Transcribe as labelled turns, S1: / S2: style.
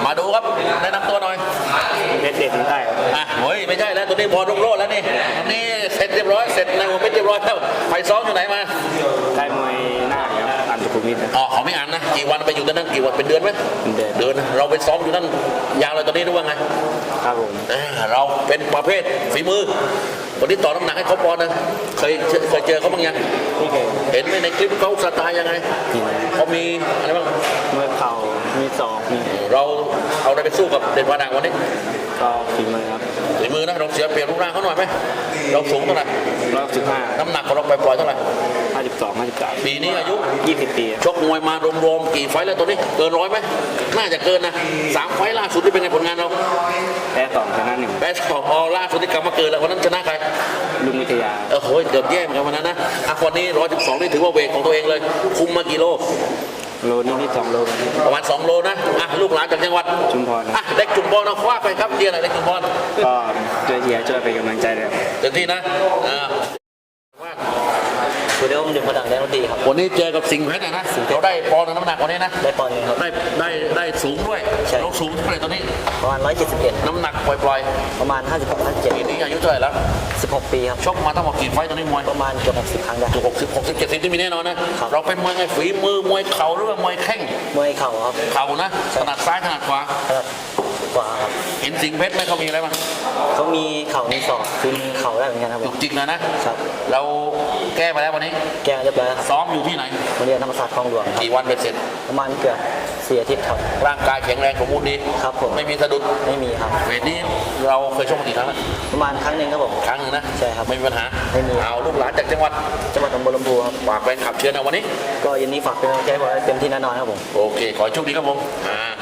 S1: มาดูครับแนะนำตัวหน่อย
S2: เด็ดเด็ดได้ครับ
S1: เฮ้ยไม่ใช่แล้วตัวนี้พอรุ่งโรจน์แล้วนี่อันนี้เสร็จเรียบร้อยเสร็จในหัวเป็นเรียบร้อยแล้วไปซ้อมอยู่ไหนมา
S2: ได้มวยหน้าครับอันสุขุมวิทนะ
S1: อ๋อเขาไม่อ่านนะกี่วันไปอยู่ที่นั่นกี่วันเป็นเดือนไหม
S2: เป็นเดือน
S1: เดือนนะเราไปซ้อมอยู่นั่นยาวเลยตอนนี้รู้ว่าไง
S2: ครับผม
S1: เราเป็นประเภทฝีมือวันนี้ต่อน้ำหนักให้เขาปอนด์นะเคยเจอเขาบ้างยัง
S2: นี่เคย
S1: เห็นไหมในคลิปเขาสไตล์ยังไง
S2: กิน
S1: เขามีอะไรบ้าง
S2: มวยเข่ามีศอกมี
S1: เราเอาอะไรไปสู้กับเด่นวาดังวันนี้
S2: ก็ฝีมือครับ
S1: ฝีมือนะเราเสียเปรียบรูปร่างเขาหน่อยไหมเราสูงเท่าไหร่
S2: 115
S1: น้ำหนักของเราไปปล่อยๆเท่าไหร่
S2: 52 53
S1: ปีนี้อายุ
S2: 20 ปี
S1: ชกมวยมารวมๆกี่ไฟต์แล้วตัวนี้เกิน100ไหมน่าจะเกินนะ3 ไฟต์ล่าสุดที่เป็นไงผลงานเรา
S2: แพ้2ชนะ1
S1: แพ้สองล่าสุดที่กลับมาเกินแล้ววันนั้นชนะใคร
S2: ลุงวิทยา
S1: โหเกือบแย่เหมือนกันวันนั้นนะวันนี้112นี่ถือว่าเวทของตัวเองเลยคุมมากี่โล
S2: โลนี่2โลครับ
S1: ประมาณ2 โลนะลูกหลานจากจังหวัด
S2: ชุมพรครับ
S1: เด็กจุมพรเอาคว้าไปครับเดียร์อะไรเด็กจุมพร
S2: ก็ช่วยเชียร์ช่วยเป็นกำลังใจเลยครับ
S1: เต็มที่นะ
S3: คือเดี๋ยวผมดึงมาดังได้ดีครับ
S1: วันนี้เจอกับสิงห์เพชรนะเราได้ปอนด์น้ำหนักวันนี้นะ
S3: ได้ปอนด์หนึงครับ
S1: ได้สูงด้วย
S3: ใช่
S1: เราสูงเท่าไหร่ตอนนี้
S3: ประมาณ 171
S1: น้ำหนักปล่อย
S3: ประมาณ 56
S1: ๆปีนี้อายุเท่าไหร่แล้ว
S3: 57 16 ปีครับ
S1: ชกมาทั้งหมดกี่ไฟต์ตอนนี้มวย
S3: ประมาณเกือบ60 ครั้งได้
S1: ถูก60 70ที่มีแน่นอนนะครับ เราเป็นมวยไงฝีมือมวยเข่าหรือว่ามวยแข้ง
S3: มวยเข่าครับ
S1: เข่านะถนัดซ้ายถนัดขวา
S3: ขนาดกว่าครับ
S1: เห็นสิงห์เพชรไหมเขามีอะไรบ้าง
S3: เขามีเข่ามีศอกคือเข่าได้เหมือนกันครับผ
S1: จุ
S3: ม
S1: กจิกเลยนะครับ เราแก้มาแล้ววันนี้
S3: แกเรียบร้อยแล้วครับ
S1: ซ้อมอยู่ที่ไหน
S3: โรงเรียนธรรมศาสตร์คลองหลวงครับ
S1: กี่วันเป็นเสร็จ
S3: ประมาณเกือบ4 อาทิตย์ครับ
S1: ร่างกายแข็งแรงสมบูรณ์ดี
S3: ครับผม
S1: ไม่มีสะดุด
S3: ไม่มีครับ
S1: เวทนี้เราเคยชกมากี่ครั้งแล้ว
S3: ประมาณครั้งหนึ่งครับผม
S1: ครั้งหนึงนะ
S3: ใช่ครับ
S1: ไม่มีปัญหา
S3: ไม่มี
S1: เอาลูกหลานจากจังหวัด
S3: จังหวัดหนองบัวลำพูครับ
S1: ฝากแฟนขับเชียร์นะวันนี้
S3: ก็เย็นนี้ฝากเป็นกำลังใจให้ผมเต็มที่แน่นอนครับผม
S1: โอเค ขอให้โชคดีครับผม